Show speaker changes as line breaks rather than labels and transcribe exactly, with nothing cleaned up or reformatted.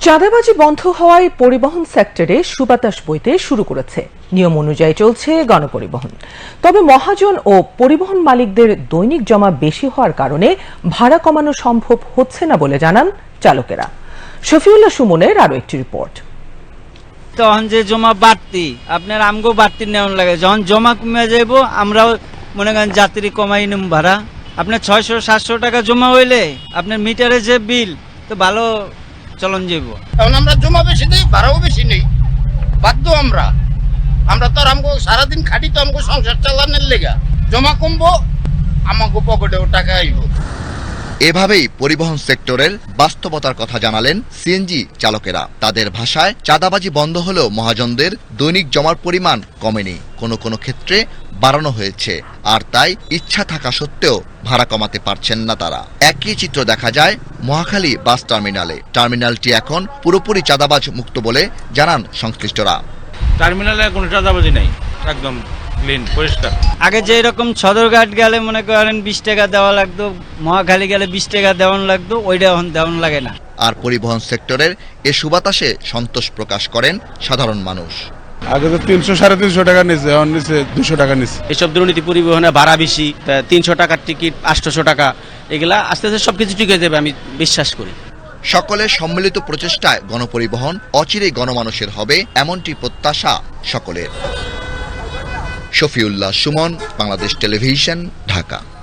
চাঁদাবাজি বন্ধ হওয়ায় পরিবহন সেক্টরে সুবাতাস বইতে শুরু করেছে। নিয়ম অনুযায়ী চলছে গণপরিবহন। তবে মহাজন ও পরিবহন মালিকদের দৈনিক জমা বেশি হওয়ার কারণে ভাড়া কমানো সম্ভব হচ্ছে না বলে জানান চালকেরা। শফিউল্লাহ সুমনের আরো একটি রিপোর্ট।
তখন যে জমা বাড়তি আপনার আমগো বাড়তি নেওয়ান লাগে, যখন জমা কমে যাইব আমরাও মনে করেন যাত্রী কমাই নিম ভাড়া। আপনার ছয়শো সাতশো টাকা জমা হইলে আপনার মিটারে যে বিল তো ভালো চলন যাইব।
এখন আমরা জমা বেশি নেই, ভাড়াও বেশি নেই, বাধ্য আমরা আমরা তো আর আমগো সারাদিন খাটি, তো আমগো সংসার চালানোর লেগা জমা কমবো, আমাগো পকেটেও টাকা আইব।
এভাবেই পরিবহন সেক্টরের বাস্তবতার কথা জানালেন সিএনজি চালকেরা। তাদের ভাষায় চাঁদাবাজি বন্ধ হলেও মহাজনদের দৈনিক জমার পরিমাণ কমেনি, কোনো কোনো ক্ষেত্রে বাড়ানো হয়েছে। আর তাই ইচ্ছা থাকা সত্ত্বেও ভাড়া কমাতে পারছেন না তারা। একই চিত্র দেখা যায় মহাখালী বাস টার্মিনালে। টার্মিনালটি এখন পুরোপুরি চাঁদাবাজ মুক্ত বলে জানান সংশ্লিষ্টরা।
টার্মিনালে কোনো চাঁদাবাজি নাই, একদম ক্লিন পরিষ্কার।
আগে যে এরকম সদরঘাট গেলে মনে করেন বিশ টাকা দেওয়া লাগতো, মহাখালী গেলে বিশ টাকা দেওয়ান লাগতো, ওইটা এখন দেওয়ান লাগে না।
আর পরিবহন সেক্টরের এ সুবাতাসে সন্তোষ প্রকাশ করেন সাধারণ মানুষ।
আগে তো তিনশো সাড়ে তিনশো টাকা নিচ্ছে, এখন নিচ্ছে দুশো টাকা নিচ্ছে।
এসব দুর্নীতি পরিবহনে ভাড়া বেশি, তিনশো টাকার টিকিট আটশোশো টাকা, এগুলা আস্তে আস্তে সবকিছু ঠিক হয়ে যাবে আমি বিশ্বাস করি।
সকলের সম্মিলিত প্রচেষ্টায় গণপরিবহন অচিরেই গণমানুষের হবে, এমনটি প্রত্যাশা সকলের। শফিউল্লাহ সুমন, বাংলাদেশ টেলিভিশন, ঢাকা।